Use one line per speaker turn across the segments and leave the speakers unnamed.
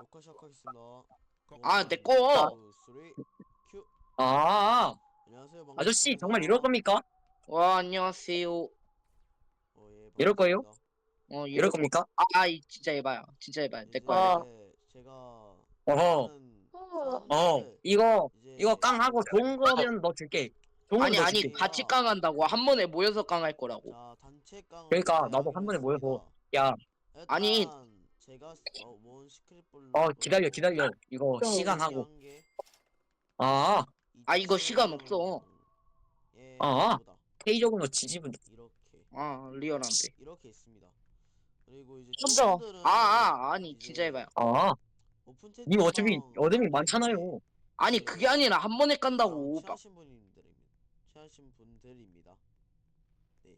녹화 시작하겠습니다.
아, 내
원,
거.
투, 쓰리, 큐.
아,
안녕하세요.
아저씨,
반갑습니다.
정말 이럴 겁니까?
와, 안녕하세요.
예,
이럴 거예요?
반갑습니다.
이럴
이럴 거.
겁니까?
진짜 해봐요. 진짜 해봐요. 내 거야, 내 거.
이제 제가
어허,
많은 사람들을
이거
이제
깡하고 좋은 거면 너 줄게. 좋은 거면 너 줄게.
같이
제가
깡한다고. 한 번에 모여서 깡할 거라고.
자 단체 깡을
그러니까,
이제
나도
하기로
한 번에 모여서,
했습니다.
야,
아니,
일단 제가 모은 시크릿 블록은
기다려. 이거
여기
시간하고.
한 개,
아,
이거 시간 없어.
2층에
아,
이거다.
페이저군요, 지지분.
이렇게
리얼한데.
이렇게 있습니다. 그리고 이제
먼저
저분들은
아니, 진짜 해봐요.
이제 오픈
님 어차피
채팅방
어둠이
하기 위해
많잖아요.
아니, 그게
이제
아니라 한 번에
저랑
깐다고.
친하신 분들입니다. 네.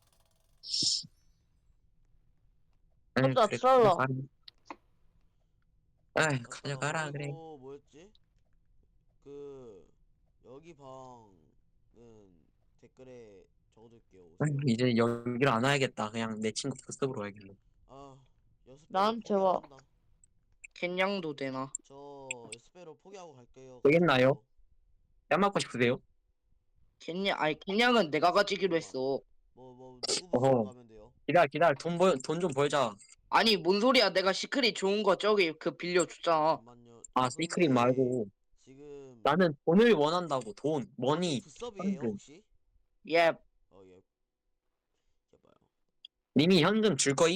혼자
그래,
트롤러.
가져가라, 그래.
그리고 뭐였지? 그 여기 방은 댓글에 적어둘게요. 오세요.
이제 여기를 안 와야겠다. 그냥 내 친구 급습으로 와야겠네.
아, 여섯 배로
나한테 와.
포기한다.
캔냥도 되나?
저 여섯 배로 포기하고 갈게요.
되겠나요?
가실래요?
뺨 맞고 싶으세요?
캔냥은 내가 가지기로
잠깐만.
했어.
누구부터
어허,
가면 돼요?
기다려. 돈 좀 벌자.
아니, 뭔 소리야. 내가 시크릿 좋은 거 저기 빌려줬잖아.
잠만요.
아,
저
시크릿
근데
말고.
지금
나는 돈을 원한다고, 돈,
여기
머니,
부섭이에요
현금.
혹시?
예,
예. 해봐요.
님이 현금 줄 거임?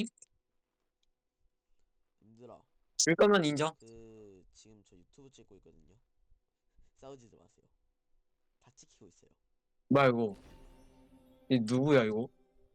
님들아,
줄 거면 인정.
지금 저 유튜브 찍고 있거든요. 싸우지도 마세요. 다 찍히고 있어요.
말고. 이 누구야, 이거?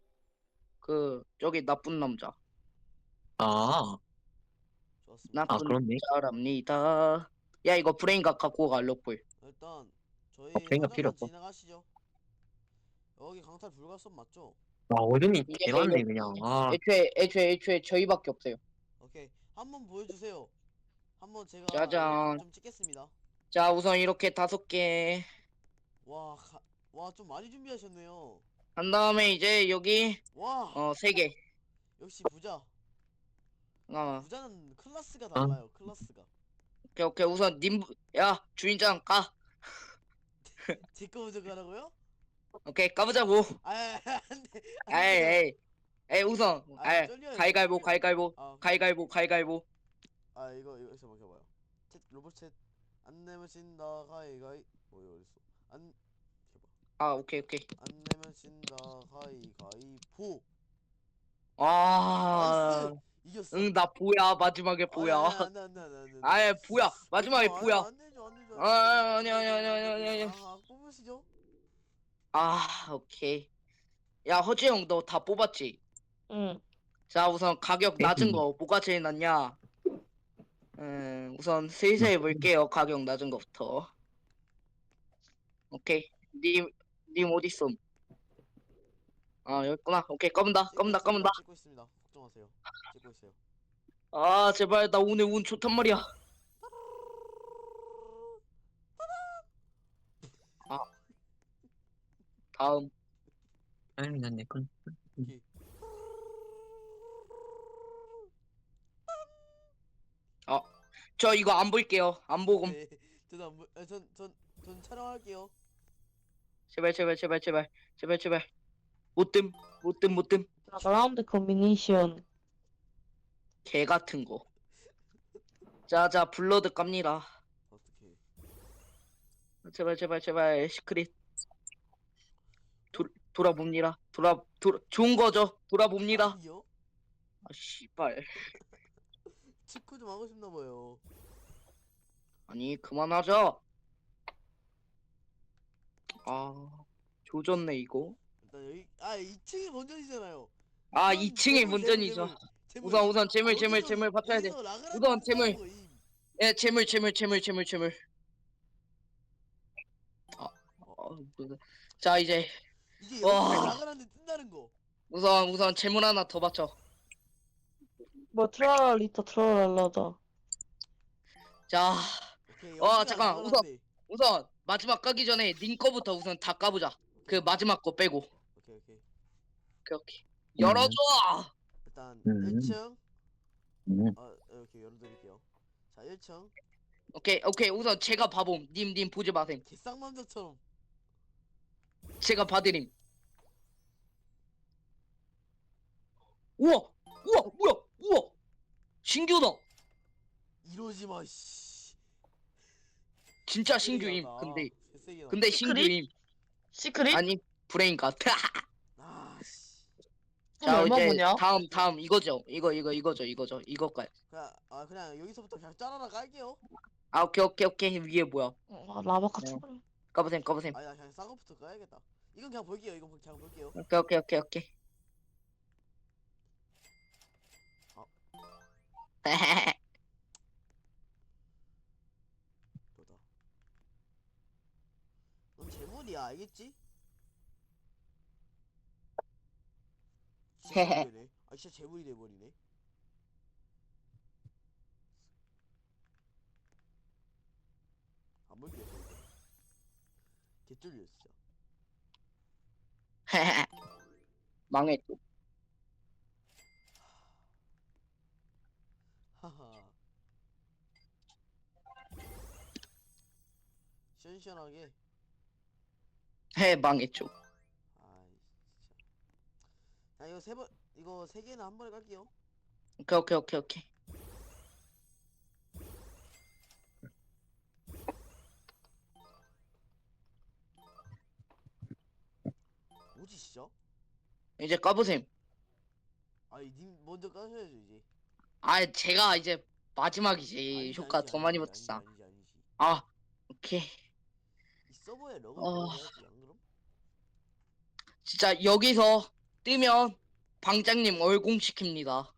저기 나쁜 남자.
아,
좋았습니다.
나쁜
그렇네.
남자랍니다. 야, 이거 브레인각 갖고 가, 럭볼.
일단 저희
걔가 필요
상점만
없어.
지나가시죠. 여기 강탈 불가선 맞죠?
어둠이
이게
개 많네, 그냥.
애초에 저희밖에 없어요.
오케이. 한번 보여주세요. 한번 제가
짜잔.
좀 찍겠습니다.
자, 우선 이렇게 5개.
와, 좀 많이 준비하셨네요.
한 다음에 이제 여기,
와,
3개.
역시 부자.
어,
부자는 클래스가
아,
달라요. 클래스가.
오케이. 우선 야, 주인장 까.
제거 먼저 가라고요?
오케이, 까보자고.
안돼,
에이,
안돼요.
에이, 우선. 에이,
쫄려요, 저
가위가위보,
쫄려.
가위가위보,
오케이.
가위가위보.
이거 잠깐 켜봐요. 로봇 챗. 안 내면 진다. 가위가위. 이거 어딨어? 켜봐.
오케이.
안 내면 진다. 가위가위보.
아,
나이스. 이겼어.
응, 나 보야. 마지막에
아니,
보야.
안돼.
보야. 마지막에
오지마.
보야. 아니, 아니.
뽑으시죠.
오케이. 야, 허지영, 너 다 뽑았지?
응.
자, 우선 가격 낮은 거, 뭐가 제일 낮냐? 우선 슬슬 해볼게요. 가격 낮은 거부터. 오케이. 님 어딨어? 여기 있구나. 오케이, 까문다.
찍고 있습니다. 걱정하세요. 찍고 있어요.
제발, 나 오늘 운 좋단 말이야. 아, 다음.
아니, 난내 건.
오케이.
저 이거 안 볼게요. 안 보고.
네. 저도 안 보. 전 촬영할게요.
제발. 못 뜸.
라운드 콤비네이션.
개 같은 거. 자, 블러드 깝니다.
어떻게?
제발, 시크릿. 돌아봅니다. 좋은 거죠. 돌아봅니다.
아니요.
씨발.
치쿠 좀 하고 싶나 봐요.
아니, 그만하자. 조졌네, 이거.
일단 여기 2층이 본전이잖아요.
2층에 문전이죠. 우선 재물 받쳐야 돼.
여기서 라그란트
우선 재물.
뜬다는 거임.
예, 재물. 자, 이제
이게
와.
여기서 라그란트 뜬다는 거.
우선 재물 하나 더 받쳐.
뭐 트롤리터 트롤러다.
자,
오케이. 여기가
잠깐.
라그란트.
우선 마지막 까기 전에 님 거부터 우선 다 까보자. 그 마지막 거 빼고.
오케이.
오케이. 열어줘.
일단
음.
1층
음.
이렇게 열어드릴게요. 자 1층
오케이 우선 제가 봐봄. 님 보지 마셈.
개쌍남자처럼.
제가 봐드림. 우와 뭐야 우와 신규다.
이러지마 씨.
진짜
쓰레기
신규임.
나다.
근데
개쓰레기
근데
시크릿?
신규임.
시크릿?
아니 브레인 같아.
아씨.
그럼
자
얼마
이제
보냐?
다음 이거죠. 이거죠. 이거까지.
그냥 여기서부터 그냥 짜라라 깔게요.
아 오케이 위에 뭐야?
라바카
네.
쳐버려.
까보셈.
아니 나 그냥 싼 거부터 까야겠다. 이건 그냥 볼게요. 이건 그냥 볼게요.
오케이.
아. 너다. 넌 재물이야 알겠지? 진짜 재물이네. 아 진짜 재물이 돼버리네. 안 볼게요. 개쫄려 진짜.
망했죠.
하하. 시원시원하게.
망했죠.
아이 진짜. 자 이거 이거 세 개는 한 번에 깔게요.
오케이.
뭐지 진짜?
이제 까보셈.
아니 님 먼저 까셔야죠 이제.
아 제가 이제 마지막이지.
아니지
효과
아니지
더 많이
아니지
붙었어.
아니지.
아 오케이.
이 서버에 러그
어.
들어가야지 안 그럼?
진짜 여기서 뜨면 방장님 얼공시킵니다.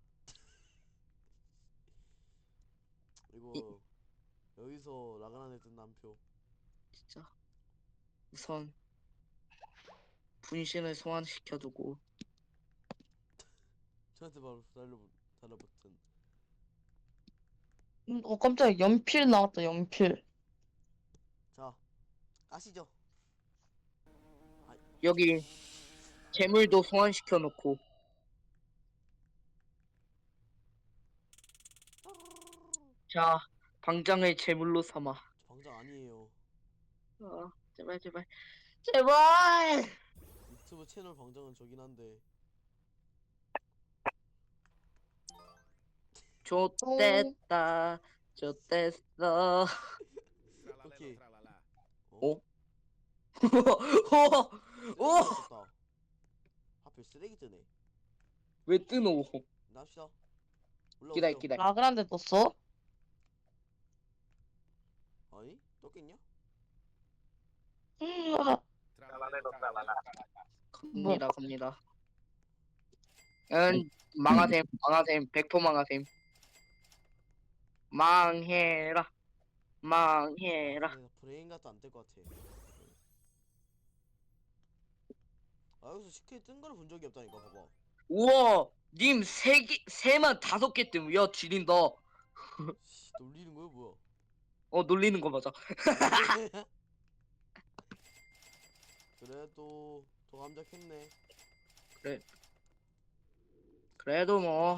이거 여기서 라그난에 뜬 남표.
진짜 우선 분신을 소환시켜두고
저한테 바로 달라붙은.
깜짝이야. 연필 나왔다, 연필.
자 까시죠.
여기 재물도 소환시켜놓고 자 방장을 제물로 삼아.
저 방장 아니에요.
제발
유튜브 채널 방장은 저긴 한데.
좋댔다 좋댔어.
오케이.
어? 오!
쓰레기 떴다. 하필 쓰레기 뜨네.
왜 뜨노?
납시다. 올라오세요.
기다려.
라그란데 떴어?
아니 떴겠냐?
아,
갑니다. 망하셈 100% 망하셈. 망해라.
아, 근데 브레인 같도 안 뜰 것 같아. 아 여기서 시크릿 뜬 거를 본 적이 없다니까 봐봐.
우와 님 3만 5개 뜸. 야 지린다.
씨, 놀리는 거야 뭐야?
놀리는 거 맞아.
그래도 더 감작했네.
그래도 뭐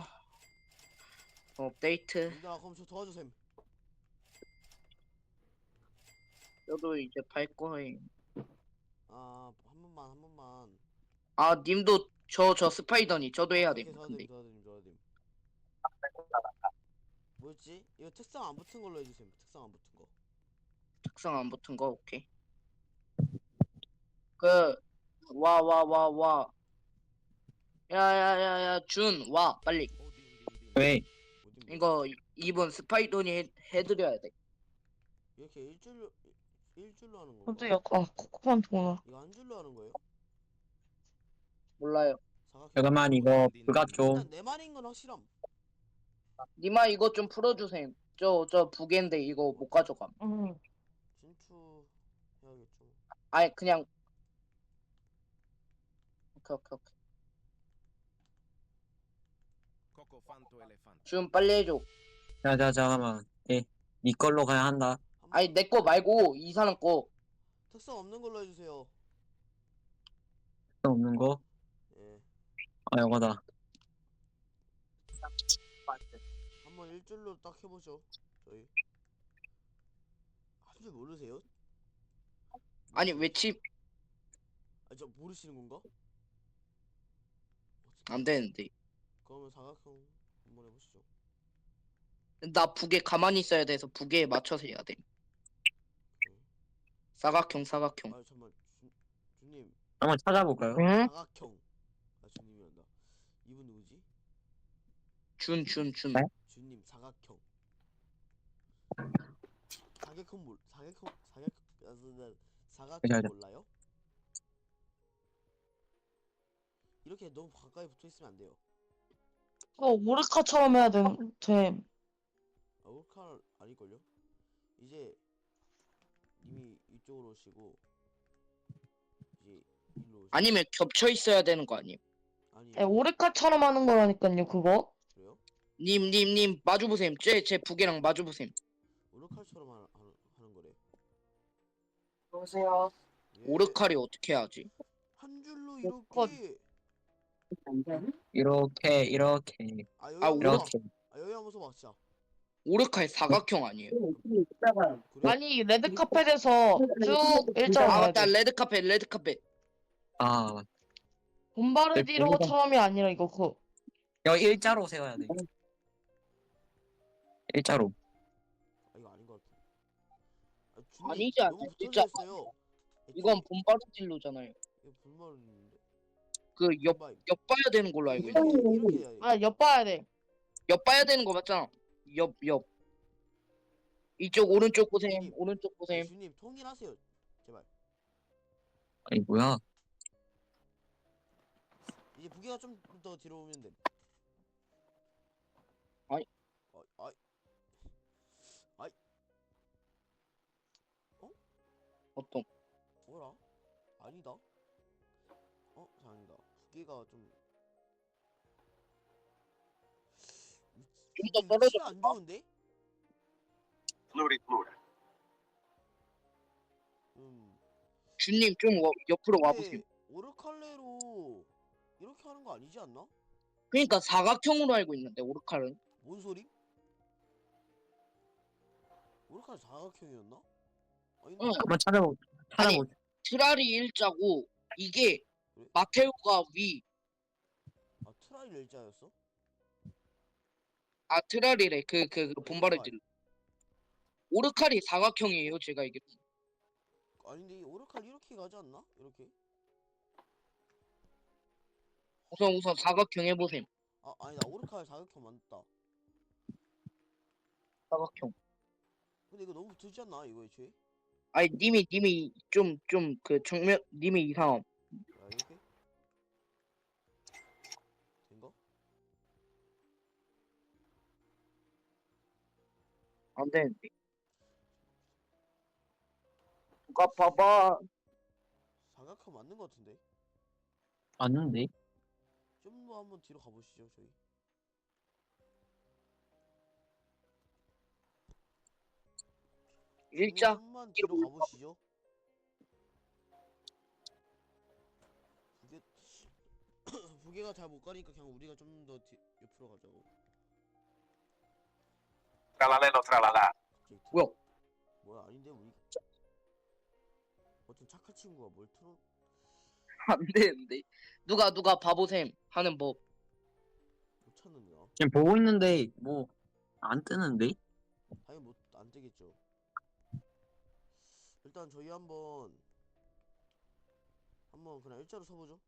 업데이트.
민다 그럼 저 도와주셈.
저도 이제 발 거임.
아한 번만.
아 님도 저 스파이더니 저도 해야 돼.
오케이,
근데
도와드림. 뭐였지? 이거 특성 안 붙은 걸로 해주셈. 특성 안 붙은 거.
특성 안 붙은 거 오케이. 그 와. 야야야야 준 와 빨리.
왜?
어디
이거 이분 스파이더니 해드려야 돼.
이렇게 일줄로 하는 건가?
깜짝이야. 코코만 통화.
이거 한 줄로 하는 거예요?
몰라요.
잠깐만 이거 부가 좀
일단 내 말인 건 확실함.
니마 이거 좀 풀어주셈. 저 부계인데 이거 못 가져감.
진추 해야겠죠.
아니 그냥 오케이. 준 빨리 해줘.
자 잠깐만 니 걸로 가야 한다.
아니 내 거 말고 이 사람 거.
특성 없는 걸로 해주세요.
없는 거?
예.
아 이거다.
한번 일줄로 딱 해보죠. 저희 한 줄 모르세요?
아니 외침
저 모르시는 건가?
안 되는데.
그러면 사각형 한번 해보시죠.
나 북에 가만히 있어야 돼서 북에 맞춰서 해야 돼.
응.
사각형 사각형.
아 잠만 주님
한번 찾아볼까요?
응?
사각형. 아 주님이란다. 이분 누구지?
준.
네?
주님 사각형. 사각형
맞아.
몰라요? 이렇게 너무 가까이 붙어 있으면 안 돼요.
오르카처럼 해야 돼.
아, 올칼 아닐걸요? 이제 님이 이쪽으로 오시고 이제 일로 오시고.
아니면 겹쳐 있어야 되는 거 아니에요?
아니에요.
오르카처럼 하는 거라니까요, 그거.
그래요?
님 마주 보셈. 제 북이랑 마주 보셈.
오르칼처럼 하는 거래.
여보세요.
예.
오르칼이 어떻게 하지?
한 줄로
건.
이렇게.
이렇게
아 여기
아
한번 써봐.
이렇게.
아 여기 한번 써봐 진짜.
오르칼 사각형 아니에요?
그래?
아니, 레드카펫에서 쭉 일자로
아
가야
맞다.
돼.
레드카펫.
아,
봄바르디로처럼이 아니라 이거
여기 일자로 세워야 돼. 일자로.
아 이거 아닌 것 같아. 아 주님
아니지 않나?
너무
진짜
붙어져 있어요.
이건 봄바르딜로잖아요.
이거 불말인데.
그 옆
봐.
봐야 되는 걸로 알고 있는데.
이렇게 해야 돼.
아, 엿봐야 돼.
옆 봐야 되는 거 맞잖아. 옆. 이쪽 오른쪽 보셈.
주님.
오른쪽
아,
보셈.
주님 통일하세요. 제발.
아니 뭐야?
이제 부계가 좀 더 뒤로 오면 돼.
아이.
아이.
어떤?
뭐라? 아니다. 아니다. 부계가 좀.
좀 더 떨어져.
위치가 안 좋은데?
주님 좀 옆으로 와보세요.
근데 오르칼레로 이렇게 하는 거 아니지 않나?
그러니까 사각형으로 알고 있는데 오르칼은.
뭔 소리? 오르칼 사각형이었나? 아닌데?
응.
한번 찾아보.
트랄이 일자고 이게
그래?
마테오가 위.
아 트라이 일자였어?
아 트랄이래. 그 본바르딜. 오르칼이 사각형이에요. 제가 이게.
아닌데 오르칼 이렇게 가지 않나? 이렇게?
우선 사각형 해보셈.
아 아니다 오르칼 사각형 맞다.
사각형.
근데 이거 너무 붙지 않나 이거 애초에?
아니 님이 좀 그 정면 님이 이상함.
야 이렇게? 된가?
안 되는데. 누가 봐봐.
사각형 맞는 거 같은데?
맞는데?
좀 더 한번 뒤로 가보시죠 저희.
일자.
좀만 뒤로 가보시죠. 부계 부계가 잘 못 가니까 그냥 우리가 좀 더 옆으로 가자고.
트랄랄레로
뭐야?
뭐야 아닌데 우리 어떤 착한 친구가 뭘 틀어?
안 되는데. 누가 바보셈 하는 법.
못 찾는다.
지금 보고 있는데 뭐 안 뜨는데?
당연히 못안 되겠죠. 일단 저희 한번 그냥 일자로 서보죠.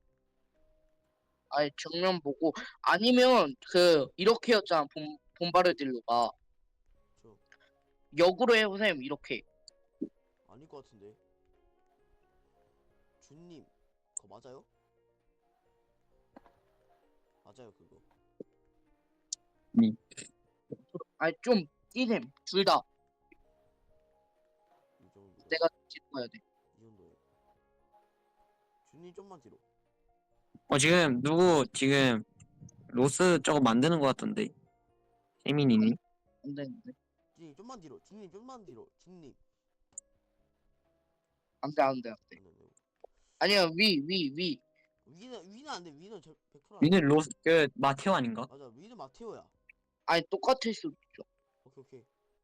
아니 정면 보고 아니면 그 이렇게였잖아. 본바르딜로가
저
역으로 해보셈 이렇게.
아닐 것 같은데. 준님 그거 맞아요? 맞아요 그거.
아니 좀 뛰셈 둘 다.
이 정도.
내가 찍어야 돼.
이 정도요. 준님 좀만 뒤로.
지금 누구 지금 로스 저거 만드는 것 같던데. 세민이니?
안 되는데.
준님 좀만 뒤로. 준님 좀만 뒤로. 준님.
안돼.
안 돼.
아니야 위.
위는 안 돼. 위는 100% 안 돼.
위는 로스 마테오 아닌가?
맞아 위는 마테오야.
아니 똑같을 수도 있죠.
오케이.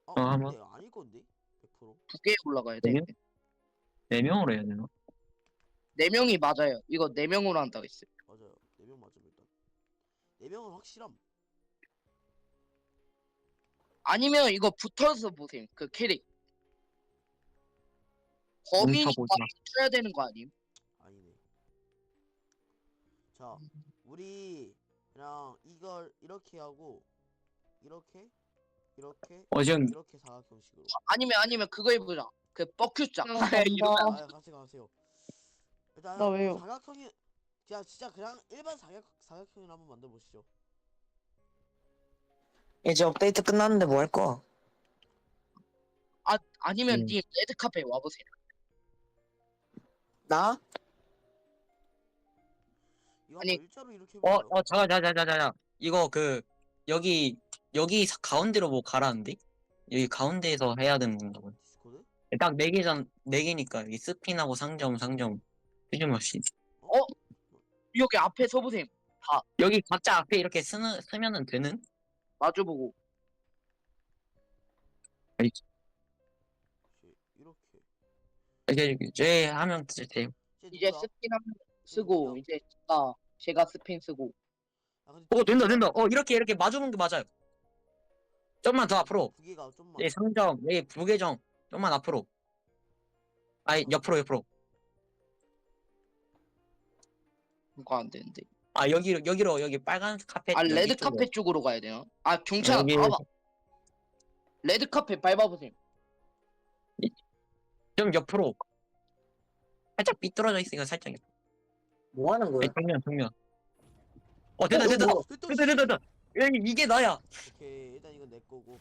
한번.
근데 아닐 건데? 100%?
두 개 올라가야 돼.
네 명? 4명으로 해야 되나?
4명이 맞아요. 이거 4명으로 한다고 했어요.
맞아요. 4명 맞음 일단. 4명은 확실함.
아니면 이거 붙어서 보세요. 그 캐릭. 범인이
뭉쳐보자.
쳐야 되는 거 아님?
아니네. 자, 우리 그냥 이걸 이렇게 하고 이렇게
지금
이렇게 사각형식으로.
아니면 그거 해보자. 그 뻑큐장.
간다.
이러면
아, 같이 가세요. 일단
나 왜요?
사각형이 진짜 그냥 일반 사각형을 한번 만들어 보시죠.
이제 업데이트 끝났는데 뭐 할 거야?
아니면
음.
님 레드카페 와보세요.
나?
이거
아니,
한번 일자로 이렇게 해볼까요?
자자자자자자. 이거 여기 가운데로 뭐 가라는데? 여기 가운데에서 해야 되는 건가 보네.
디스코드?
딱 4개니까 여기 스핀하고 상점 휴즈머시.
여기 앞에 서보세요.
여기 각자 앞에 이렇게 쓰면은 되는?
마주보고.
이렇게.
이제 하면 돼요.
이제
누구야?
스핀 한번 쓰고
누구야?
이제 제가 스핀 쓰고.
아, 근데
된다. 이렇게 마주보는 게 맞아요. 좀만 더 앞으로.
부기가 좀만.
여기 상점, 여기 부계정. 좀만 앞으로. 아니, 옆으로.
이거 안 되는데.
여기로, 여기 빨간 카펫. 여기
레드카페 쪽으로 가야 되나? 경찰아
여기-
봐봐. 레드카페 밟아보세요.
좀 옆으로. 살짝 삐뚤어져 있으니까 살짝 옆.
뭐 하는 거야?
정면. 됐다. 됐다. 이게 나야.
오케이, 일단 이건 내 거고.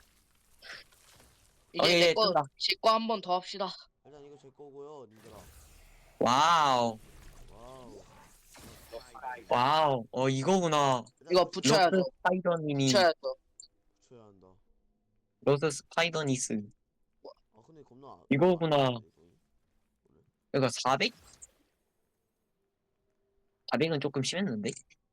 이제
예,
내거
뜬다.
제 거 한 번 더 합시다.
일단 이거 제 거고요, 님들아.
와우.
와우.
이거구나.
일단
이거 붙여야죠.
로스 스파이더님이.
붙여야죠.
붙여야 한다.
로스 스파이더니스.
아, 근데 겁나.
이거구나.
안 되는데,
이거 400? 400은 조금 심했는데?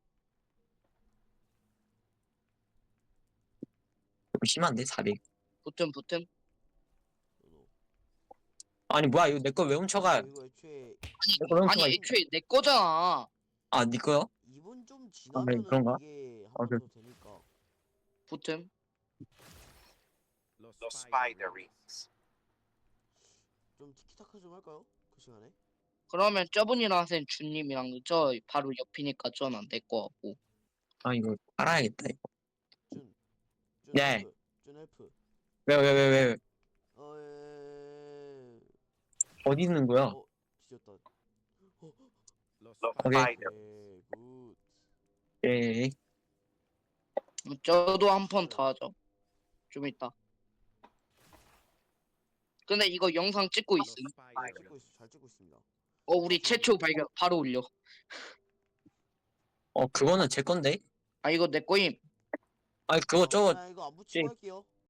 조금 심한데 400.
붙음.
이거.
아니 뭐야 이거 내 거 왜 훔쳐가?
이거 애초에
거 너무
아니
좋아해.
애초에 내 거잖아.
네 거요?
2분 좀 지나면은
그런가?
이게
아,
한 번 더 되니까.
붙음.
Los Spiderings.
좀 티키타카 좀 할까요? 그 시간에?
그러면 저분이랑 하세요. 주님이랑 저 바로 옆이니까 저는 내 거 같고.
이거 알아야겠다 이거.
준
네.
헬프. 준 헬프.
왜? 어디 있는 거야?
뒤졌다.
Los
오케이.
Spider.
굿.
예.
저도 한 번 더 하죠. 좀 이따. 근데 이거 영상 찍고
Los
있음.
Spider.
잘 찍고 있습니다.
우리 최초 발견 바로 올려.
그거는 제 건데.
이거 내 거임.
그거 저거
그냥 이거 안 붙이고 할게요.